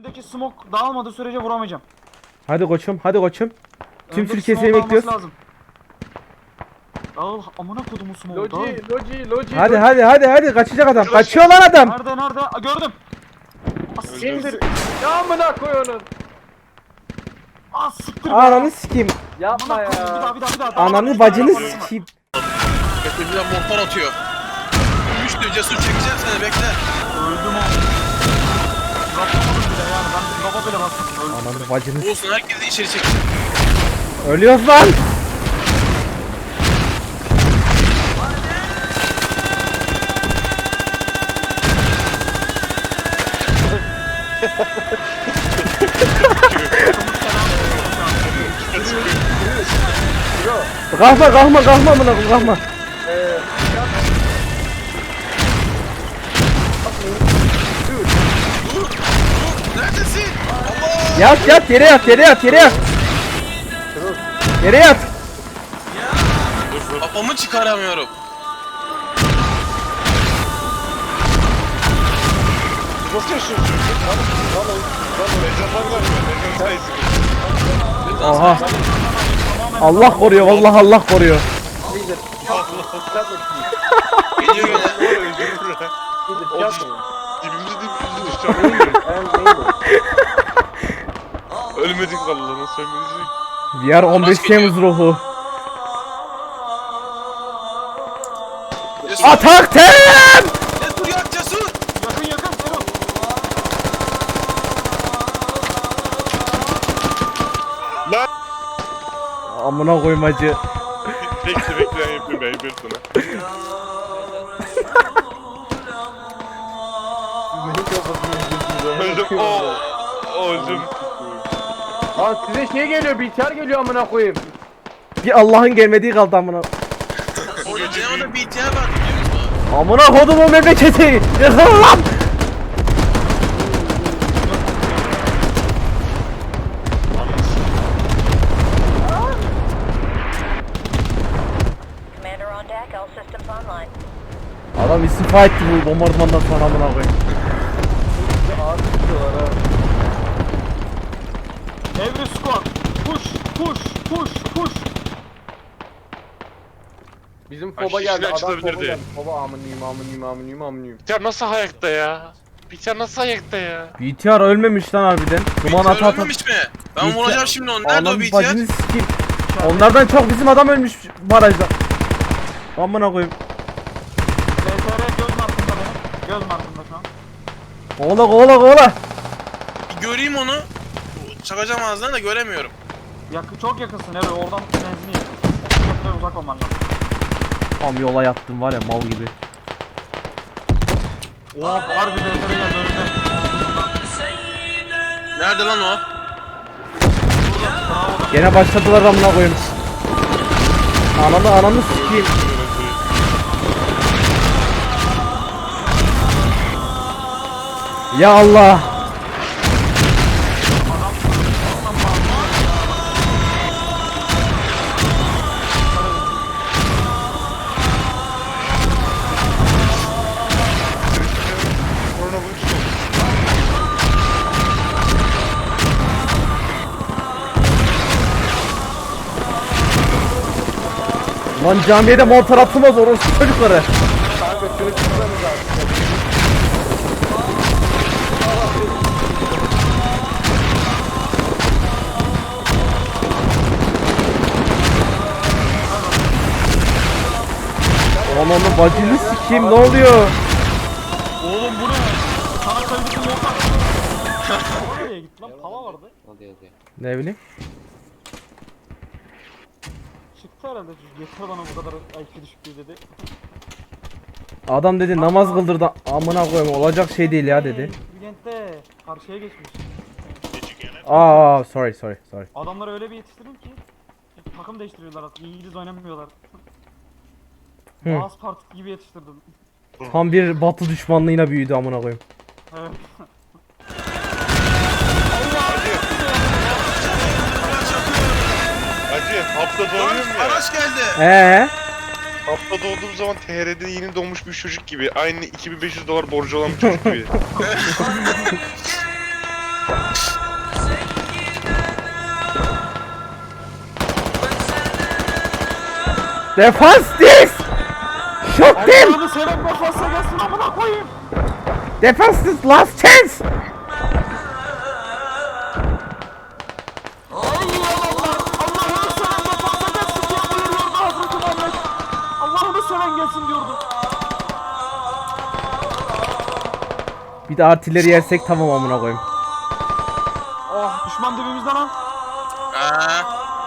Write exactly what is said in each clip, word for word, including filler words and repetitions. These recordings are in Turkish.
Önümdeki smoke dağılmadığı sürece vuramayacağım. Hadi koçum, hadi koçum. Tüm Önümdeki Türkiye smoke seni dağılması bekliyoruz. lazım. Dağıl amına kodumu smoke dağıl. Loji, loji, loji. Hadi loji. hadi hadi hadi kaçacak adam. Kaçıyor lan adam. Nerede nerede? Aa, gördüm. As siktir. İndir. Ya amına koy onu. As siktir. be. Ananı sikeyim. Yapma Amına koyayım, bir ya. daha bir daha bir daha. Dağılmadı, Ananı bir bacını daha yapalım. sikeyim. Kötüden mortar atıyor. Üçlü cesur çekeceğim seni bekle. Öldüm oğlum. Bırakamadım bile yani. Ben baba bile bastım. Öldüm. Ananı bacını Olsun herkesi içeri çekeceğim. Ölüyoruz lan. Kalkma kalkma kalkma amına koyayım, kalkma. Dur, dur. Neredesin? Allah! Yat yat yere yat yere yat yere yat. Yere yat. Kafamı çıkaramıyorum. Nasıl yaşıyorsun? Lan lan lan legendler var ya, legend sayısı. Oha. Allah koruyor vallahi Allah koruyor. Geliyor gene. Dibimizi dibimizi düşeceğim. Ölmedik vallahi, nasıl ölmedik? V R on beş Temmuz ruhu. Cesur. Atak tem! Cesur yak cesur. Yakın yakın Serol. Lan! Amına koymacı. Bekle bekle ben yapayım, ben yapayım sana. Öldüm, ooo! Öldüm. Lan size şey geliyor, B T R geliyor amına koyayım. Bir Allah'ın gelmediği kaldı amına. Orada Cenab'da B T R var biliyor musun? Amına kodumun memleketi. Yıkıl lan. Commander on deck, all systems online. Adam istifa etti bu bombardımandan sonra amına koyayım. Every squad. Push push push push. Bizim Ay, foba geldi, şişler adam foba açılabilirdi. geldi. Foba amınıyım amınıyım amınıyım amınıyım. Biter nasıl ayakta ya? Biter nasıl ayakta ya? B T R ölmemiş lan harbiden. Duman B T R ata ata. ölmemiş mi? Ben B T R vuracağım şimdi onu. Nerede o Ananı B T R? bacını sikeyim. Onlardan çok bizim adam ölmüş barajda. Amına koyayım. L T R göz markında benim. Göz markında şu an. Kovala kovala kovala. Bir göreyim onu. Çakacağım ağzından da göremiyorum. Yakın, çok yakınsın Ero. Oradan benzini yak. otuz metre uzak olman lazım. Tam yola yattım var ya mal gibi. Oha harbi L T R geldi önümde. Nerede lan o? Gene başladılar amına koyayım. Ananı ananı sikeyim. Ya Allah. Korona bu üstü. Lan camiye de mortar atılmaz orospu çocukları. Kanka şunu çıksanız artık. Ananı bacını sikeyim ne oluyor? Oğlum bu ne? Sana kaydıklı mortar. Nereye gitti lan? Tava vardı. Ne bileyim. Çıktı herhalde. Yeter bana bu kadar I Q düşüklüğü dedi. Adam dedi namaz kıldırdı amına koyayım olacak şey değil ya dedi. Bülent'te karşıya geçmiş. Aa sorry sorry sorry. Adamları öyle bir yetiştirdim ki takım değiştiriyorlar artık. İngiliz oynamıyorlar. Hı. Boğaz Partisi gibi yetiştirdim. Tam bir batı düşmanlığına büyüdü amına koyayım. Evet. Hacı hafta Lan doğuyorum ya. araç geldi. Ee? Hafta doğduğum zaman T R'de yeni doğmuş bir çocuk gibi. Aynı iki bin beş yüz dolar borcu olan bir çocuk gibi. Defans this! Shoot them! Allah'ını seven defansa gelsin amına koyayım. Defans this last chance! Allah'ını seven defansa gelsin diye buyuruyordu Hazreti Muhammed. Allah'ını seven gelsin diyordu. Bir de artilleri yersek tamam amına koyayım. Oh düşman dibimizde lan. Ha.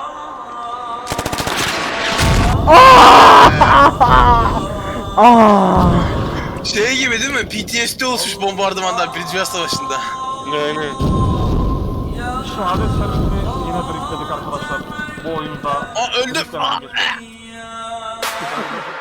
Aa! Şey gibi değil mi? P T S D oluşmuş bombardımandan Birinci Dünya Savaşı'nda. Aynen. Şehadet şerefini yine driftledik arkadaşlar. Bu oyunda. Aa öldüm. Driftlemen geçti.